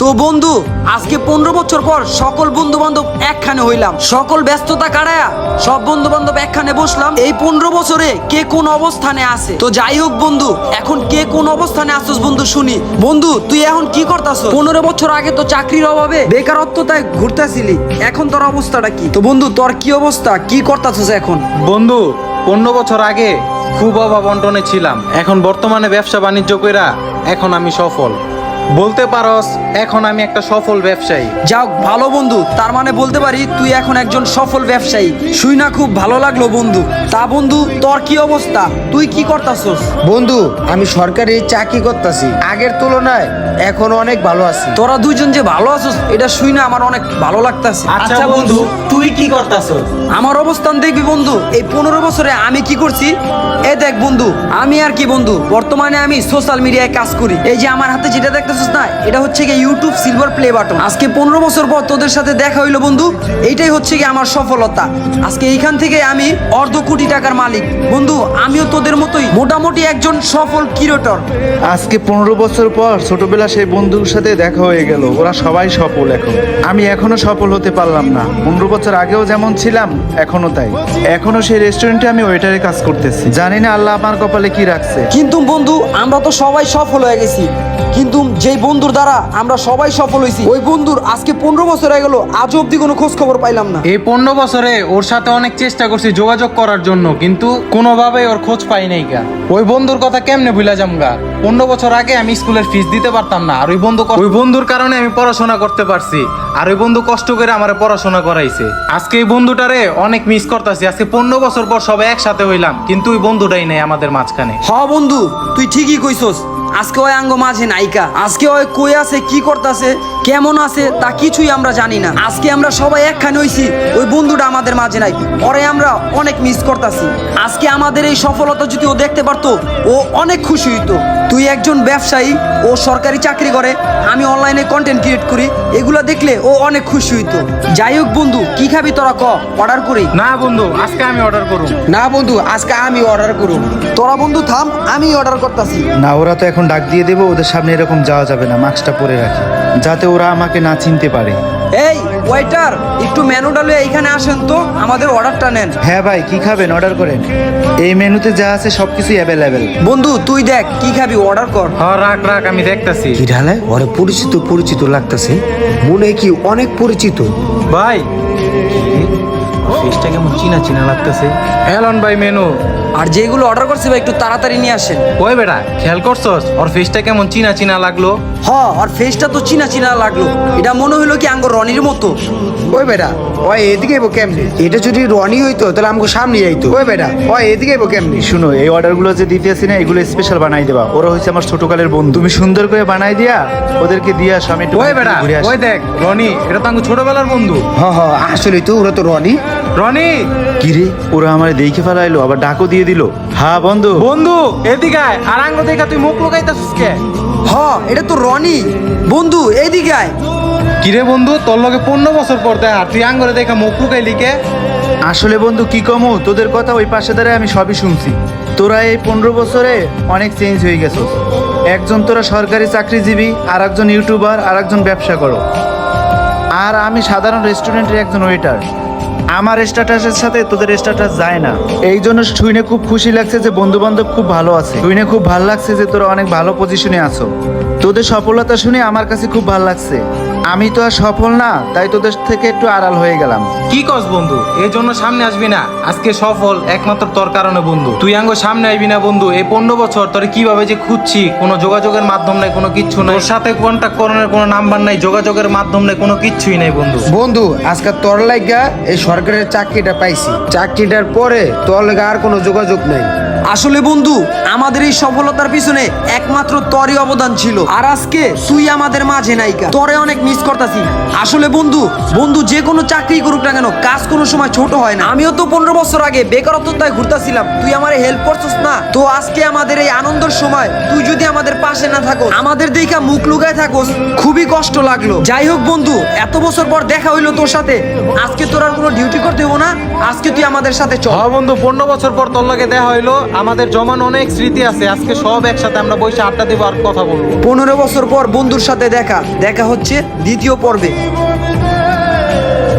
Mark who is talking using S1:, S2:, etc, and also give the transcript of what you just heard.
S1: তো বন্ধু আজকে 15 বছর পর সকল বন্ধু বান্ধব একখানে হইলাম, সকল ব্যস্ততা কাটায়া সব বন্ধু বান্ধব একখানে বসলাম। এই 15 বছরে কে কোন অবস্থানে আছে, তো যাই হোক বন্ধু, এখন কে কোন অবস্থানে আসছিস বন্ধু শুনি। বন্ধু তুই এখন কি করতাছ? 15 বছর আগে তো চাকরির অভাবে বেকারত্বতায় ঘুরতেছিলি, এখন তোর অবস্থাটা কি? তো বন্ধু তোর কি অবস্থা, কি করতাছস এখন?
S2: বন্ধু 15 বছর আগে খুব অভাব অনটনে ছিলাম, এখন বর্তমানে ব্যবসা বাণিজ্য কইরা এখন আমি সফল বলতে পারস। এখন আমি একটা সফল ব্যবসায়ী।
S1: যাও ভালো বন্ধু, তার মানে বলতে পারি তুই এখন একজন সফল ব্যবসায়ী। শুই না খুব ভালো লাগলো বন্ধু। তা বন্ধু তোর কি অবস্থা, তুই কি করতাছস?
S3: বন্ধু আমি সরকারি চাকরি করতেছি, আগের তুলনায় এখন অনেক ভালো আছি।
S1: তোরা দুইজন যে ভালো আছস এটা শুই না আমার অনেক ভালো লাগতাছে।
S2: আচ্ছা বন্ধু তুই কি করতাছস?
S1: আমার অবস্থান দেখবি বন্ধু, এই 15 বছরে আমি কি করছি এ দেখ বন্ধু। আমি আর কি বন্ধু, বর্তমানে আমি সোশ্যাল মিডিয়ায় কাজ করি। এই যে আমার হাতে যেটা দেখতেছিস না, এটা হচ্ছে কি ইউটিউব সিলভার প্লে বাটন। আজকে 15 বছর পর তোদের সাথে দেখা হইলো বন্ধু, এইটাই হচ্ছে কি আমার সফলতা। আজকে এইখান থেকে আমি অর্ধ কোটি টাকার মালিক বন্ধু। আমিও তোদের মতোই মোটামুটি একজন সফল ক্রিয়েটর।
S4: আজকে 15 বছর পর ছোটবেলা সেই বন্ধুর সাথে দেখা হয়ে গেল, ওরা সবাই সফল। এখন আমি এখনো সফল হতে পারলাম না। 15 বছর আগেও যেমন ছিলাম এখনো তাই। এখনো সেই রেস্টুরেন্টে আমি ওয়েটারে কাজ করতেছি। জানি না আল্লাহ আমার কপালে কি রাখছে।
S1: কিন্তু বন্ধু আমরা তো সবাই সফল হয়ে গেছি, কিন্তু যেই বন্ধুর দ্বারা আমরা সবাই সফল হয়েছি ওই বন্ধুর আজকে 15 বছর হয়ে গেল, আজ অব্দি কোনো খোঁজ খবর পাইলাম না।
S2: এই 15 বছরে ওর সাথে অনেক চেষ্টা করছি যোগাযোগ করার জন্য, কিন্তু কোনোভাবেই ওর খোঁজ পাই নাই গা। ওই বন্ধুর কথা কেমনে ভুলা যাম গা? 15 বছর আগে আমি স্কুলের ফিস দিতে পারতাম না, আর ওই বন্ধুর কারণে আমি পড়াশোনা করতে পারছি, আর ওই বন্ধু কষ্ট করে আমার পড়াশোনা করাইছে। আজকে এই বন্ধুটারে অনেক মিস করতেছি। আজকে 15 বছর পর সবাই একসাথে হইলাম, কিন্তু ওই বন্ধুটাই নেই আমাদের মাঝখানে।
S1: হ বন্ধু তুই ঠিকই কইছস, আজকে ওই আঙ্গ মাঝে নাইকা। আজকে ওই কই আছে, কি করতেছে, কেমন আছে তা কিছুই আমরা জানি না। আজকে আমরা সবাই একখানে হইছি, ওই বন্ধুটা আমাদের মাঝে নাই, পরে আমরা অনেক মিস করতেছি। আজকে আমাদের এই সফলতা যদি ও দেখতে পারতো ও অনেক খুশি হইতো। তুই একজন ব্যবসায়ী, ও সরকারি চাকরি করে, আমি অনলাইনে কন্টেন্ট ক্রিয়েট করি, এগুলো দেখলে ও অনেক খুশি হইতো। যাই হোক বন্ধু কি খাবি তোরা ক, অর্ডার করি?
S2: না বন্ধু আজকে আমি অর্ডার করব।
S3: না বন্ধু আজকে আমি অর্ডার করুন।
S1: তোরা বন্ধু থাম, আমি অর্ডার করতেছি।
S4: না, ওরা তো এখন ডাক দিয়ে দেবো, ওদের সামনে এরকম যাওয়া যাবে না। মাস্কটা পরে রাখি যাতে ওরা আমাকে না চিনতে পারে।
S1: এই ওয়েটার, একটু মেনুটা লয়ে এইখানে আসেন তো, আমাদের অর্ডারটা নেন।
S4: হ্যাঁ ভাই, কি খাবেন অর্ডার করেন। এই মেনুতে যা আছে সবকিছুই অ্যাভেলেবেল।
S1: বন্ধু তুই দেখ কি খাবি, অর্ডার কর।
S2: হ্যাঁ রাখ রাখ, আমি দেখতাছি।
S3: কি ঢালে ওরে পরিচিত পরিচিত লাগতেছে, মনে কি অনেক পরিচিত।
S2: ভাই ফিশটা কেমন চিনা চিনা লাগতেছে। এলন ভাই মেনু।
S1: আর যেগুলো অর্ডার করছে ভাই একটু তাড়াতাড়ি নিয়ে আসেন।
S2: ওই বেটা খেয়াল করছস ওর ফিশটা কেমন চিনা চিনা লাগলো?
S1: হ, আর ফেসটা তো চিনা চিনা লাগলো, এটা মনে হইলো কি আঙ্গ রনির মতো।
S3: ওই বেটা ওই এদিকে এবো কেমনি? এটা যদি রনি হইতো তাহলে আমাকে সামনে যাইতো। ওই বেটা ওই এদিকে এবো কেমনি?
S4: শুনো, এই অর্ডারগুলো যে দিতে আসি না, এগুলো স্পেশাল বানাই দেবা। ওরা হচ্ছে আমার ছোটকালের বন্ধু। তুমি সুন্দর করে বানাই দিয়া ওদেরকে দিয়ে আসো, আমি একটু
S2: ওই বেটা
S4: ঘুরে আসি।
S2: ওই দেখ রনি, এটা তো আমার ছোটবেলার বন্ধু।
S3: হ হ আসলে তো ওরা তো রনি।
S2: রনি
S4: কিরে, ওরা আমার দেখে ফেলাইলো, আবার ডাকও দিয়ে দিল। হ্যাঁ বন্ধু।
S2: বন্ধু এদিকে আয়। আর আঙ্গ দেখা তুই মুখ লুকাইতাছিস কে?
S1: হ এটা তো রনি। বন্ধু এইদিকে আয়।
S2: কিরে বন্ধু তোর লগে 15 বছর পর দেখা, তুই আঙ্গরে দেখা মুখ লুকাইলি কে?
S4: আসলে বন্ধু কি কমু, তোদের কথা ওই পাশে দাঁড়ায় আমি সবই শুনছি। তোরা এই 15 বছরে অনেক চেঞ্জ হয়ে গেছো। একজন তোরা সরকারি চাকরিজীবী, আর একজন ইউটিউবার, আর একজন ব্যবসা করো, আর আমি সাধারণ রেস্টুরেন্টের একজন ওয়েটার। আমার স্ট্যাটাসের সাথে তোদের স্ট্যাটাস যায় না। এই জন্য শুনে খুব খুশি লাগছে যে বন্ধু বান্ধব খুব ভালো আছে। শুনে খুব ভালো লাগছে যে তোরা অনেক ভালো পজিশনে আছো। তোদের সফলতা শুনে আমার কাছে খুব ভালো লাগছে। আমি তো আর সফল না, তাই তোদের থেকে একটু আড়াল হয়ে গেলাম।
S2: কি কস বন্ধু, এই জন্য সামনে আসবি না? আজকে সফল একমাত্র তোর কারণে বন্ধু। তুই আঙ্গ সামনে আসবি না বন্ধু। এই 15 বছর তোর কিভাবে যে খুঁজছি, কোনো যোগাযোগের মাধ্যম নাই, কোনো কিচ্ছু নাই। তোর সাথে কন্ট্যাক্ট করানোর কোনো নাম্বার নাই, যোগাযোগের মাধ্যম নাই, কোনো কিচ্ছুই নাই বন্ধু।
S3: বন্ধু আজকে তোর লাগা এই সরকারের চাকরিটা পাইছি, চাকরিটার পরে তোর লাগা আর কোনো যোগাযোগ নাই।
S1: আসলে বন্ধু আমাদের এই সফলতার পিছনে একমাত্র তোরই অবদান ছিল, আর আজকে তুই আমাদের মাঝে নাইকা, তোরে অনেক মিস করতাছি। আসলে বন্ধু বন্ধু যে কোনো চাকরি করুক না কেন, কাজ কোনো সময় ছোট হয় না। আমিও তো 15 বছর আগে বেকারত্বতায় ঘুরতাছিলাম, তুই আমারে হেল্প করছিস না। তো আজকে আমাদের এই আনন্দের সময় তুই যদি আমাদের পাশে না থাকো, আমাদের দেখা মুখ লুকায় থাকোস, খুবই কষ্ট লাগলো। যাই হোক বন্ধু, এত বছর পর দেখা হইলো তোর সাথে, আজকে তোর আর কোনো ডিউটি করতে হবো না, আজকে তুই আমাদের সাথে চল।
S2: হ্যাঁ বন্ধু 15 বছর পর তোর লগে দেখা হইলো, আমাদের জমানো অনেক স্মৃতি আছে, আজকে সব একসাথে আমরা বসে আড্ডা দেবো আর কথা বলবো।
S1: 15 বছর পর বন্ধুর সাথে দেখা হচ্ছে দ্বিতীয় পর্বে।